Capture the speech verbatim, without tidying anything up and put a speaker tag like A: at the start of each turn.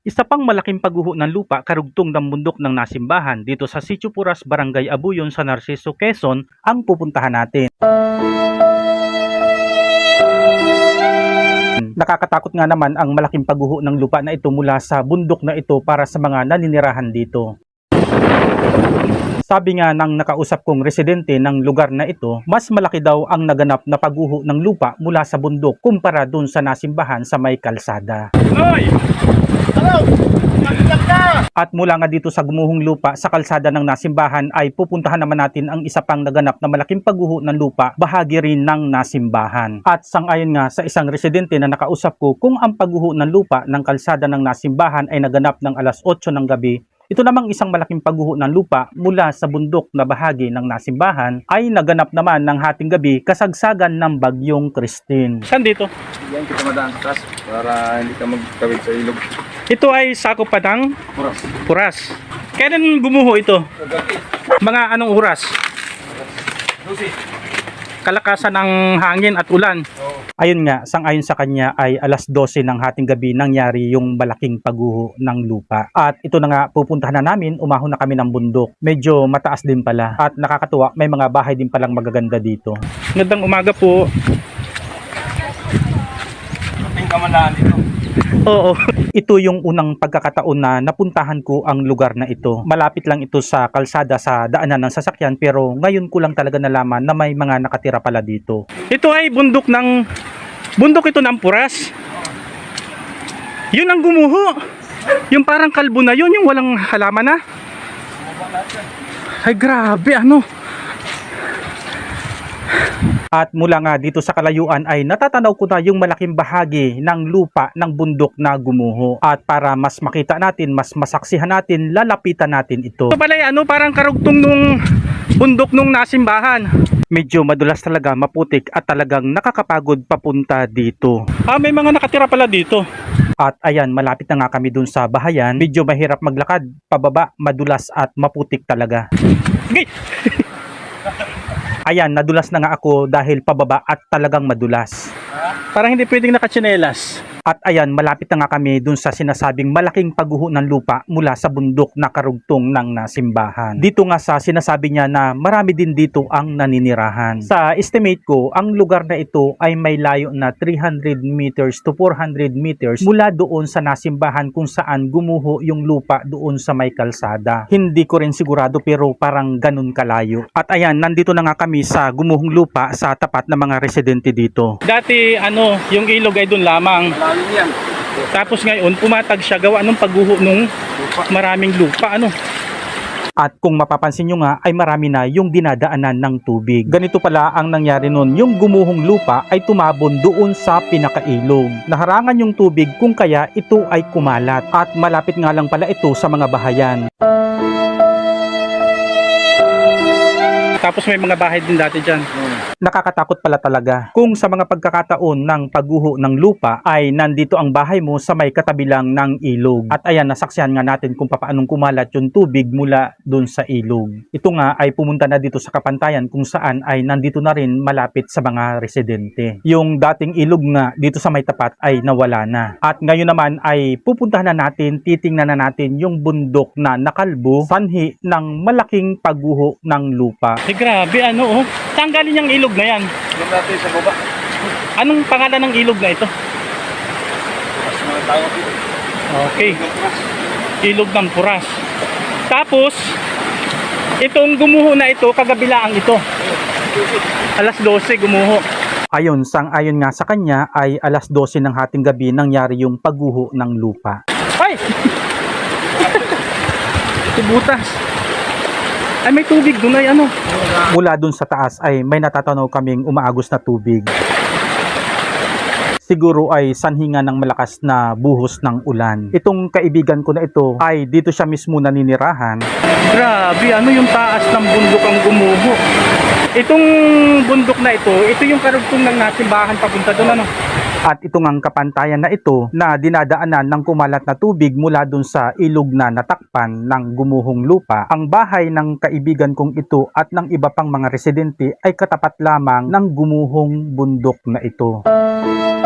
A: Isa pang malaking pagguho ng lupa karugtong ng bundok ng Nasimbahan dito sa Sitio Puras, Barangay Abuyon sa Narciso, Quezon ang pupuntahan natin. Nakakatakot nga naman ang malaking pagguho ng lupa na ito mula sa bundok na ito para sa mga naninirahan dito. Sabi nga ng nakausap kong residente ng lugar na ito, mas malaki daw ang naganap na pagguho ng lupa mula sa bundok kumpara dun sa Nasimbahan sa may kalsada.
B: Hoy! Hello! Magandang ka!
A: At mula nga dito sa gumuhong lupa sa kalsada ng Nasimbahan ay pupuntahan naman natin ang isa pang naganap na malaking pagguho ng lupa, bahagi rin ng Nasimbahan. At sangayon nga sa isang residente na nakausap ko, kung ang pagguho ng lupa ng kalsada ng Nasimbahan ay naganap ng alas otso ng gabi, ito namang isang malaking pagguho ng lupa mula sa bundok na bahagi ng Nasimbahan ay naganap naman ng hating gabi kasagsagan ng bagyong Christine. Saan dito?
B: Yan kita madaan sa taas para hindi ka magtawid sa ilog.
A: Ito ay sakop pa ng
B: Puras.
A: Puras. Kailan gumuho ito? Mga anong oras?
B: Lucy.
A: Kalakasan ng hangin at ulan.
B: Oo.
A: Ayun nga, sang-ayon sa kanya ay alas dose ng hating gabi nangyari yung malaking pagguho ng lupa. At ito na nga, pupuntahan na namin, umahon na kami ng bundok. Medyo mataas din pala at nakakatuwa, may mga bahay din palang magaganda dito. Magandang umaga po.
B: Ating kamalaan dito.
A: Oo. Ito yung unang pagkakataon na napuntahan ko ang lugar na ito. Malapit lang ito sa kalsada sa daanan ng sasakyan pero ngayon ko lang talaga nalaman na may mga nakatira pala dito. Ito ay bundok ng bundok ito ng Puras. Yun ang gumuho. Yung parang kalbo na yun, yung walang halaman na. Ay grabe ano. At mula nga dito sa kalayuan ay natatanaw ko na yung malaking bahagi ng lupa ng bundok na gumuho. At para mas makita natin, mas masaksihan natin, lalapitan natin ito. Ito pala ano, parang karugtong nung bundok nung Nasimbahan. Medyo madulas talaga, maputik at talagang nakakapagod papunta dito. Ah, may mga nakatira pala dito. At ayan, malapit na nga kami dun sa bahayan. Medyo mahirap maglakad, pababa, madulas at maputik talaga. Okay. Ayan, nadulas na nga ako dahil pababa at talagang madulas. Parang hindi pwedeng nakatsinelas. At ayan, malapit na nga kami dun sa sinasabing malaking pagguho ng lupa mula sa bundok na karugtong ng Nasimbahan. Dito nga sa sinasabi niya na marami din dito ang naninirahan. Sa estimate ko, ang lugar na ito ay may layo na three hundred meters to four hundred meters mula doon sa Nasimbahan kung saan gumuho yung lupa doon sa may kalsada. Hindi ko rin sigurado pero parang ganun kalayo. At ayan, nandito na nga kami sa gumuhong lupa sa tapat ng mga residente dito. Dati ano, yung ilog ay doon lamang.
B: Malalim yan.
A: Tapos ngayon, pumatag siya gawa ng pagguho nung maraming lupa, ano. At kung mapapansin nyo nga, ay marami na yung dinadaanan ng tubig. Ganito pala ang nangyari nun, yung gumuhong lupa ay tumabon doon sa pinakailog. Naharangan yung tubig kung kaya ito ay kumalat. At malapit nga lang pala ito sa mga bahayan. Tapos may mga bahay din dati dyan.
B: Hmm.
A: Nakakatakot pala talaga. Kung sa mga pagkakataon ng pagguho ng lupa ay nandito ang bahay mo sa may katabilang ng ilog. At ayan, nasaksihan nga natin kung paanong kumalat yung tubig mula dun sa ilog. Ito nga ay pumunta na dito sa kapantayan kung saan ay nandito na rin malapit sa mga residente. Yung dating ilog nga dito sa may tapat ay nawala na. At ngayon naman ay pupuntahan na natin, titingnan na natin yung bundok na nakalbo, sanhi ng malaking pagguho ng lupa. Eh, grabe ano oh. Saan galing yung ilog na yan?
B: Ilog natin sa baba.
A: Anong pangalan ng ilog na ito?
B: Puras mga tao dito.
A: Okay,
B: Puras.
A: ilog ng Puras. Tapos, itong gumuho na ito, kagabilaan ito. alas dose gumuho. Ayon, sang-ayon nga sa kanya ay alas dose ng hating gabi nangyari yung pagguho ng lupa. Ay! Tibutas. Ay may tubig doon ay ano. Mula doon sa taas ay may natatanaw kaming umaagos na tubig. Siguro ay sanhinga ng malakas na buhos ng ulan. Itong kaibigan ko na ito ay dito siya mismo naninirahan. Grabe, ano yung taas ng bundok ang gumuho. Itong bundok na ito, ito yung karugtong ng Nasimbahan papunta doon ano. At ito ngang kapantayan na ito na dinadaanan ng kumalat na tubig mula dun sa ilog na natakpan ng gumuhong lupa. Ang bahay ng kaibigan kong ito at ng iba pang mga residente ay katapat lamang ng gumuhong bundok na ito.